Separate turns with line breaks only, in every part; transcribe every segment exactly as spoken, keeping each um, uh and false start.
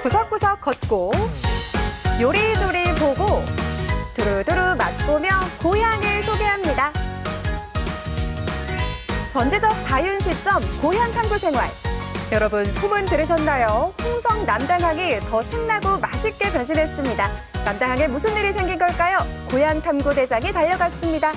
구석구석 걷고 요리조리 보고 두루두루 맛보며 고향을 소개합니다. 전지적 다윤 시점 고향 탐구 생활. 여러분 소문 들으셨나요? 홍성 남당항이 더 신나고 맛있게 변신했습니다. 남당항에 무슨 일이 생긴 걸까요? 고향 탐구 대장이 달려갔습니다.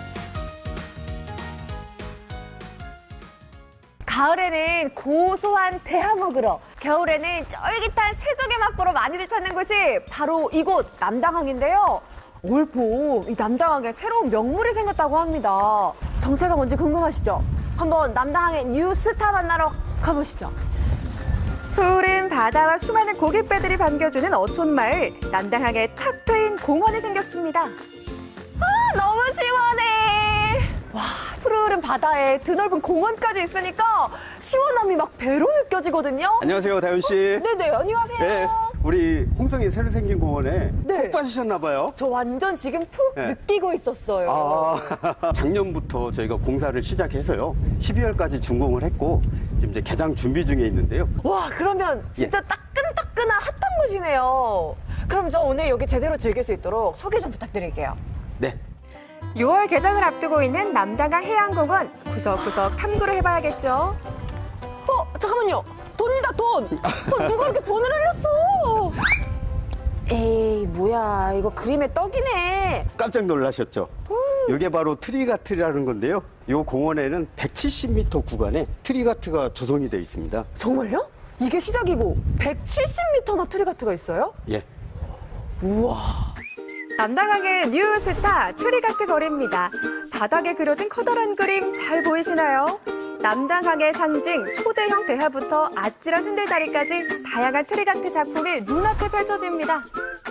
가을에는 고소한 대하 먹으러, 겨울에는 쫄깃한 새조개 맛보러 많이들 찾는 곳이 바로 이곳 남당항인데요. 올 봄 이 남당항에 새로운 명물이 생겼다고 합니다. 정체가 뭔지 궁금하시죠? 한번 남당항의 뉴스타 만나러 가보시죠. 푸른 바다와 수많은 고깃배들이 반겨주는 어촌마을, 남당항에 탁 트인 공원이 생겼습니다. 아, 너무 시원해! 와, 푸르른 바다에 드넓은 공원까지 있으니까 시원함이 막 배로 느껴지거든요.
안녕하세요, 다윤 씨.
어, 네네, 안녕하세요.
네, 우리 홍성이 새로 생긴 공원에
네.
푹 빠지셨나 봐요.
저 완전 지금 푹
네.
느끼고 있었어요.
아, 작년부터 저희가 공사를 시작해서요. 십이월까지 준공을 했고 지금 이제 개장 준비 중에 있는데요.
와, 그러면 진짜
예.
따끈따끈한 핫한 곳이네요. 그럼 저 오늘 여기 제대로 즐길 수 있도록 소개 좀 부탁드릴게요.
네.
유월 개장을 앞두고 있는 남당항 해양공원, 구석구석 탐구를 해봐야겠죠. 어, 잠깐만요. 돈이다, 돈. 어, 누가 이렇게 돈을 흘렸어? 에이, 뭐야. 이거 그림의 떡이네.
깜짝 놀라셨죠? 이게 바로 트리가트라는 건데요. 이 공원에는 백칠십 미터 구간에 트리가트가 조성이 되어 있습니다.
정말요? 이게 시작이고 백칠십 미터나 트리가트가 있어요?
예.
우와. 남당항의 뉴스타 트리가트 거리입니다. 바닥에 그려진 커다란 그림 잘 보이시나요? 남당항의 상징 초대형 대하부터 아찔한 흔들다리까지 다양한 트리가트 작품이 눈앞에 펼쳐집니다.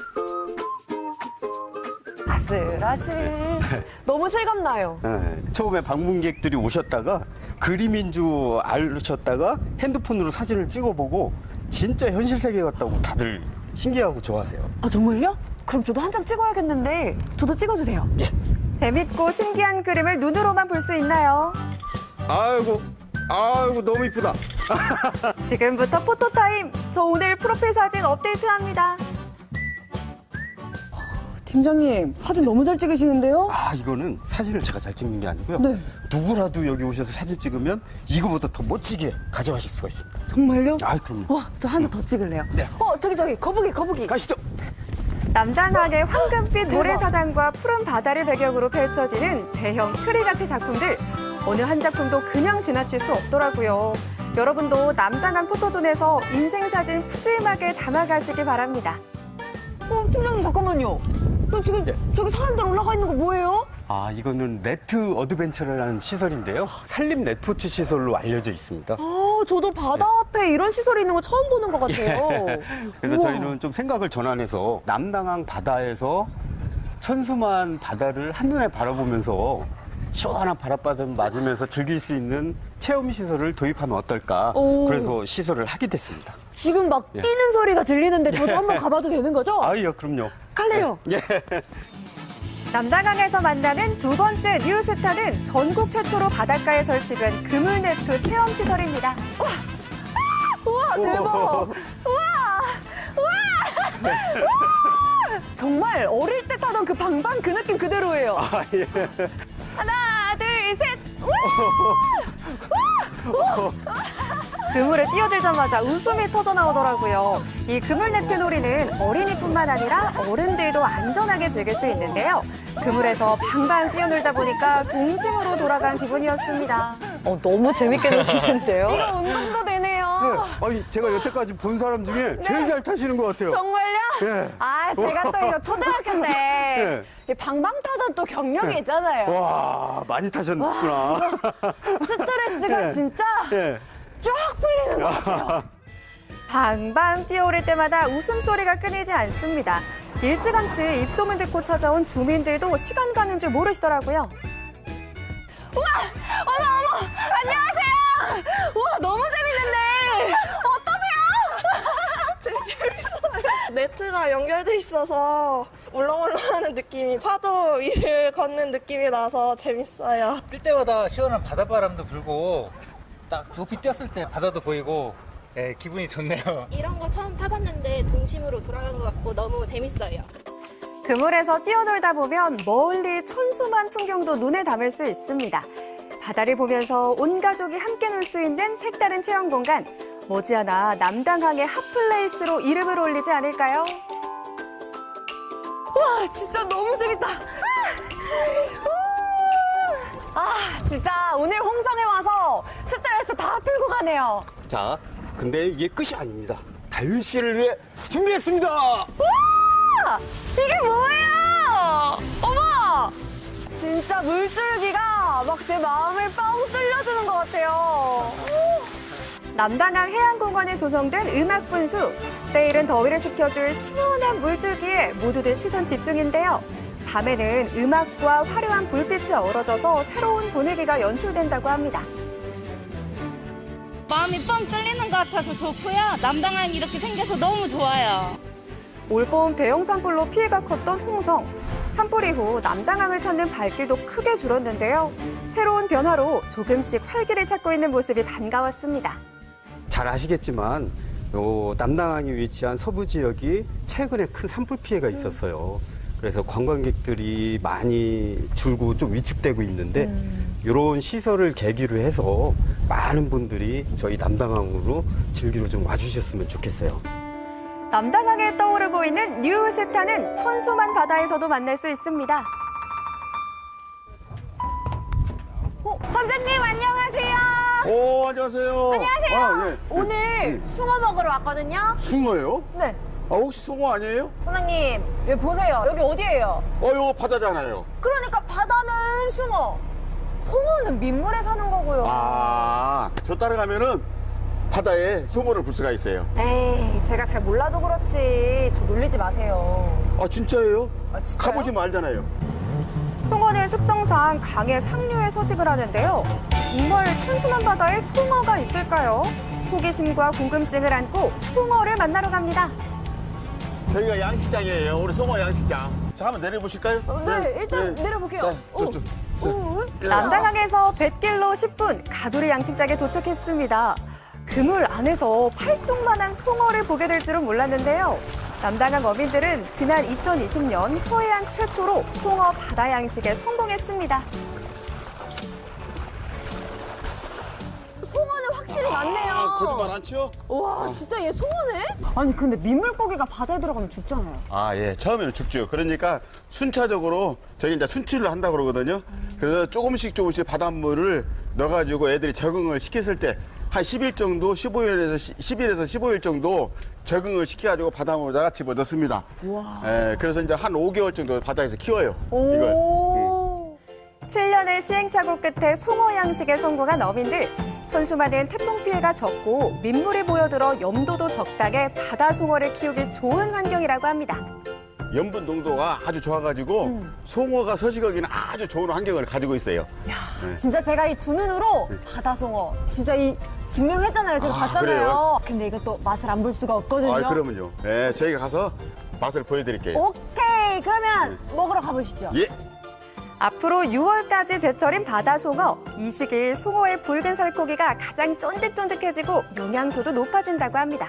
아슬아슬. 너무 실감나요.
네, 처음에 방문객들이 오셨다가 그림인 줄 아셨다가 핸드폰으로 사진을 찍어보고 진짜 현실 세계 같다고 다들 신기하고 좋아하세요.
아, 정말요? 그럼 저도 한 장 찍어야겠는데 저도 찍어주세요.
예.
재밌고 신기한 그림을 눈으로만 볼 수 있나요?
아이고, 아이고 너무 이쁘다.
지금부터 포토타임! 저 오늘 프로필 사진 업데이트합니다. 팀장님, 사진 너무 잘 찍으시는데요?
아, 이거는 사진을 제가 잘 찍는 게 아니고요.
네.
누구라도 여기 오셔서 사진 찍으면 이거보다 더 멋지게 가져가실 수가 있습니다.
정말요?
아, 그럼요.
와, 저 하나 더 찍을래요.
네.
어, 저기 저기 거북이 거북이.
가시죠.
남당항의 황금빛 모래사장과 푸른 바다를 배경으로 펼쳐지는 대형 트리가트 작품들. 어느 한 작품도 그냥 지나칠 수 없더라고요. 여러분도 남당항 포토존에서 인생사진 푸짐하게 담아가시길 바랍니다. 어, 팀장님 잠깐만요. 지금
네.
저기 사람들 올라가 있는 거 뭐예요?
아, 이거는 네트 어드벤처라는 시설인데요. 산림 레포츠 시설로 알려져 있습니다.
아, 저도 바다 앞에 이런 시설이 있는 거 처음 보는 것 같아요.
그래서
우와.
저희는 좀 생각을 전환해서 남당항 바다에서 천수만 바다를 한눈에 바라보면서 시원한 바닷바람 맞으면서 즐길 수 있는 체험 시설을 도입하면 어떨까.
오.
그래서 시설을 하게 됐습니다.
지금 막
예.
뛰는 소리가 들리는데 저도 한번 가봐도 되는 거죠?
아유, 그럼요.
갈래요.
예. 남당항에서
만나는 두 번째 뉴스타는 전국 최초로 바닷가에 설치된 그물네트 체험 시설입니다. 우와, 우와 대박! 우와, 우와, 우와! 정말 어릴 때 타던 그 방방 그 느낌 그대로예요.
아, 예.
하나, 둘, 셋! 우와! 우와! 그물에 뛰어들자마자 웃음이 터져 나오더라고요. 이 그물네트 놀이는 어린이뿐만 아니라 어른들도 안전하게 즐길 수 있는데요. 그물에서 방방 뛰어놀다 보니까 동심으로 돌아간 기분이었습니다.
어, 너무 재밌게 노시는데요?
이거 운동도 되네요.
네. 아니, 제가 여태까지 본 사람 중에 제일 잘 타시는 것 같아요.
정말요?
예.
아, 제가 또 이거 초등학교 때 이 방방 타던 또 경력이 있잖아요.
와, 많이 타셨구나.
스트레스가
예.
진짜
예.
쫙 풀리는 것 같아요. 방방 뛰어오를 때마다 웃음소리가 끊이지 않습니다. 일찌감치 입소문 듣고 찾아온 주민들도 시간 가는 줄 모르시더라고요. 우와! 어머, 어머! 안녕하세요! 우와, 너무 재밌는데! 어떠세요?
재밌어요. 네트가 연결돼 있어서 울렁울렁하는 느낌이 파도 위를 걷는 느낌이 나서 재밌어요.
뛸 때마다 시원한 바닷바람도 불고 딱 높이 뛰었을 때 바다도 보이고 네, 기분이 좋네요.
이런 거 처음 타봤는데 동심으로 돌아간 것 같고 너무 재밌어요.
그물에서 뛰어놀다 보면 멀리 천수만 풍경도 눈에 담을 수 있습니다. 바다를 보면서 온 가족이 함께 놀 수 있는 색다른 체험 공간. 머지않아 남당항의 핫플레이스로 이름을 올리지 않을까요? 와, 진짜 너무 재밌다. 아, 아, 진짜 오늘 홍성에 와서 스트레스 다 풀고 가네요.
자, 근데 이게 끝이 아닙니다. 다윤 씨를 위해 준비했습니다.
와! 이게 뭐예요? 어머! 진짜 물줄기가 막 제 마음을 뻥 뚫려주는 것 같아요. 남당항 해양공원에 조성된 음악분수. 때이른 더위를 식혀줄 시원한 물줄기에 모두들 시선 집중인데요. 밤에는 음악과 화려한 불빛이 어우러져서 새로운 분위기가 연출된다고 합니다.
마음이 뻥 뚫리는 것 같아서 좋고요. 남당항이 이렇게 생겨서 너무 좋아요.
올봄 대형 산불로 피해가 컸던 홍성. 산불 이후 남당항을 찾는 발길도 크게 줄었는데요. 새로운 변화로 조금씩 활기를 찾고 있는 모습이 반가웠습니다.
잘 아시겠지만 요 남당항이 위치한 서부 지역이 최근에 큰 산불 피해가 있었어요. 그래서 관광객들이 많이 줄고 좀 위축되고 있는데 이런 시설을 계기로 해서 많은 분들이 저희 남당항으로 즐기러 좀 와주셨으면 좋겠어요.
남당항에 떠오르고 있는 뉴스타는 천소만 바다에서도 만날 수 있습니다. 어, 선생님 안녕하세요.
오, 안녕하세요.
안녕하세요.
아, 예.
오늘 숭어 먹으러 왔거든요.
숭어요?
네.
아, 혹시 숭어 아니에요?
선생님, 여기 보세요. 여기 어디예요?
어, 이거 바다잖아요.
그러니까 바다는 숭어, 송어는 민물에 사는 거고요.
아, 저 따라가면은 바다에 숭어를 볼 수가 있어요.
에이, 제가 잘 몰라도 그렇지. 저 놀리지 마세요.
아, 진짜예요?
아, 진짜요?
가보시면 알잖아요.
송어는 습성상 강의 상류에 서식을 하는데요. 정말 천수만 바다에 송어가 있을까요? 호기심과 궁금증을 안고 송어를 만나러 갑니다.
저희가 양식장이에요. 우리 숭어 양식장. 자, 한번 내려보실까요?
어, 네, 일단 내려볼게요.
네,
오.
저, 저.
오.
예.
남당항에서 뱃길로 십 분 가두리 양식장에 도착했습니다. 그물 안에서 팔뚝만한 송어를 보게 될 줄은 몰랐는데요. 남당항 어민들은 지난 이천이십 년 서해안 최초로 송어 바다 양식에 성공했습니다. 송어는 확실히 많네요.
아, 거짓말 안 치요?
와, 진짜 얘 송어네? 아니, 근데 민물고기가 바다에 들어가면 죽잖아요.
아, 예. 처음에는 죽죠. 그러니까 순차적으로 저희 이제 순치를 한다고 그러거든요. 그래서 조금씩 조금씩 바닷물을 넣어가지고 애들이 적응을 시켰을 때 한 십 일 정도, 십오 일에서 십 일에서 십오 일 정도 적응을 시켜가지고 바닷물에다가 집어 넣습니다. 예, 그래서 이제 한 오 개월 정도 바다에서 키워요. 이걸.
오. 칠 년의 시행착오 끝에 송어 양식에 성공한 어민들. 천수만은 태풍 피해가 적고 민물이 모여들어 염도도 적당해 바다 송어를 키우기 좋은 환경이라고 합니다.
염분 농도가 아주 좋아가지고
음.
송어가 서식하기는 아주 좋은 환경을 가지고 있어요.
진짜 제가 이 두 눈으로 바다 송어 진짜 이 증명했잖아요. 제가
아,
봤잖아요.
그래요?
근데 이것도 맛을 안 볼 수가 없거든요.
아, 그러면요. 예, 저희가 가서 맛을 보여드릴게요.
오케이, 그러면 먹으러 가보시죠.
예.
앞으로 유월까지 제철인 바다 송어. 이 시기 송어의 붉은 살코기가 가장 쫀득쫀득해지고 영양소도 높아진다고 합니다.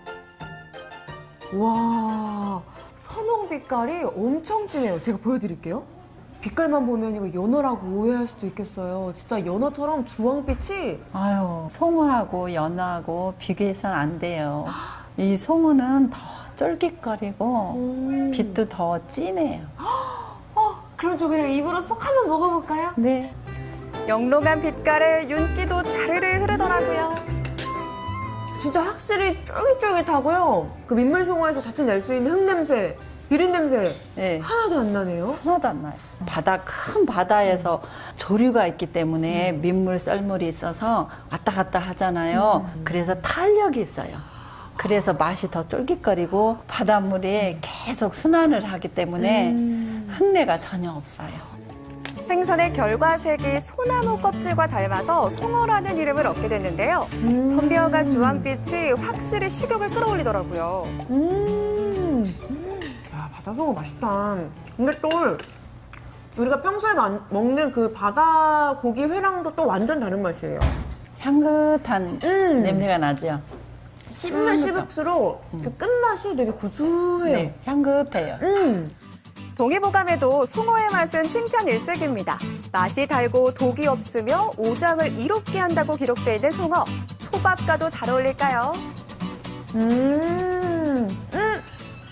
와, 선홍 빛깔이 엄청 진해요. 제가 보여드릴게요. 빛깔만 보면 이거 연어라고 오해할 수도 있겠어요. 진짜 연어처럼 주황빛이
아유, 송어하고 연어하고 비교해서는 안 돼요. 이 송어는 더 쫄깃거리고
음.
빛도 더 진해요.
어, 그럼 저 그냥 입으로 쏙 한번 먹어볼까요?
네.
영롱한 빛깔에 윤기도 좌르르 흐르더라고요. 진짜 확실히 쫄깃쫄깃하고요. 그 민물송어에서 자칫 낼 수 있는 흙냄새, 비린냄새
네.
하나도 안 나네요.
하나도 안 나요. 바다, 큰 바다에서 조류가 있기 때문에 민물, 썰물이 있어서 왔다 갔다 하잖아요. 그래서 탄력이 있어요. 그래서 맛이 더 쫄깃거리고 바닷물이 계속 순환을 하기 때문에 흙내가 전혀 없어요.
생선의 결과 색이 소나무 껍질과 닮아서 송어라는 이름을 얻게 됐는데요. 선명한 주황빛이 확실히 식욕을 끌어올리더라고요. 음, 야, 바다송어 맛있다. 근데 또 우리가 평소에 만- 먹는 그 바다 고기 회랑도 또 완전 다른 맛이에요.
향긋한
음.
냄새가 나죠.
씹으면 씹을수록 그 끝맛이 되게 구수해요.
네, 향긋해요.
음. 동의보감에도 송어의 맛은 칭찬 일색입니다. 맛이 달고 독이 없으며 오장을 이롭게 한다고 기록되어 있는 송어. 초밥과도 잘 어울릴까요? 음, 음.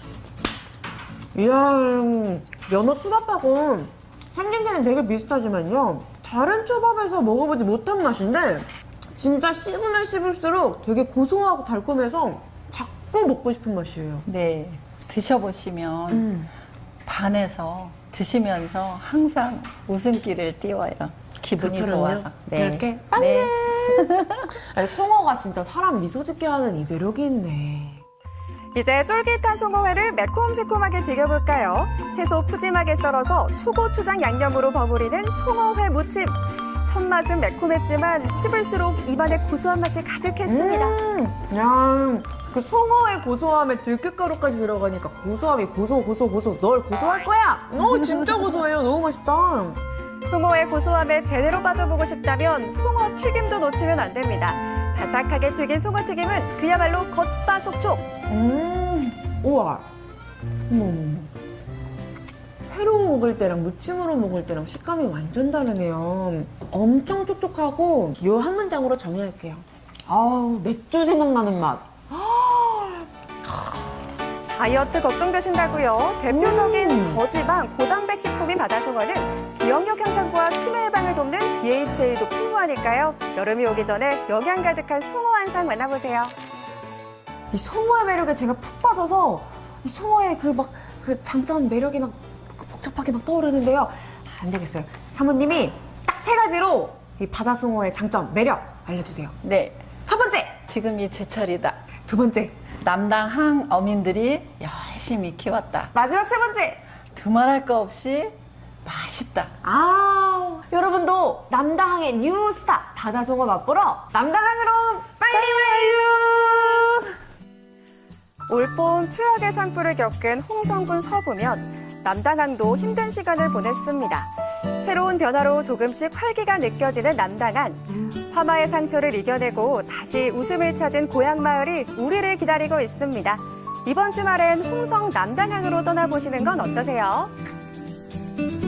이야, 연어 초밥하고 생김새는 되게 비슷하지만요. 다른 초밥에서 먹어보지 못한 맛인데 진짜 씹으면 씹을수록 되게 고소하고 달콤해서 자꾸 먹고 싶은 맛이에요.
네, 드셔보시면
음.
반해서 드시면서 항상 웃음기를 띄워요. 기분이
저처럼요?
좋아서.
이렇게
네.
아니, 송어가 진짜 사람 미소 짓게 하는 이 매력이 있네. 이제 쫄깃한 송어회를 매콤새콤하게 즐겨볼까요? 채소 푸짐하게 썰어서 초고추장 양념으로 버무리는 송어회 무침. 첫 맛은 매콤했지만 씹을수록 입안에 고소한 맛이 가득했습니다. 음, 야, 그 송어의 고소함에 들깨가루까지 들어가니까 고소함이 고소 고소 고소. 널 고소할 거야. 어, 진짜 고소해요. 너무 맛있다. 송어의 고소함에 제대로 빠져보고 싶다면 송어 튀김도 놓치면 안 됩니다. 바삭하게 튀긴 송어 튀김은 그야말로 겉바속촉. 음, 우와. 어머, 회로 먹을 때랑 무침으로 먹을 때랑 식감이 완전 다르네요. 엄청 촉촉하고 요 한 문장으로 정리할게요. 아우, 맥주 생각나는 맛. 다이어트 걱정되신다고요? 대표적인
음.
저지방, 고단백 식품인 바다송어는 기억력 향상과 치매 예방을 돕는 디에이치에이도 풍부하니까요. 여름이 오기 전에 영양 가득한 송어 한 상 만나보세요. 이 송어의 매력에 제가 푹 빠져서 이 송어의 그 막 그 장점 매력이 막 복잡하게 막 떠오르는데요. 안 되겠어요. 사모님이 딱 세 가지로 이 바다송어의 장점, 매력 알려주세요.
네,
첫 번째,
지금이 제철이다.
두 번째,
남당 항 어민들이 열심히 키웠다.
마지막 세 번째.
두말할 거 없이 맛있다.
아, 여러분도 남다항의 뉴스타 바다송어 맛보러 남다항으로 빨리 와요. 올봄 추억의 산불을 겪은 홍성군 서부면 남당항도 힘든 시간을 보냈습니다. 새로운 변화로 조금씩 활기가 느껴지는 남당항. 화마의 상처를 이겨내고 다시 웃음을 찾은 고향 마을이 우리를 기다리고 있습니다. 이번 주말엔 홍성 남당항으로 떠나보시는 건 어떠세요?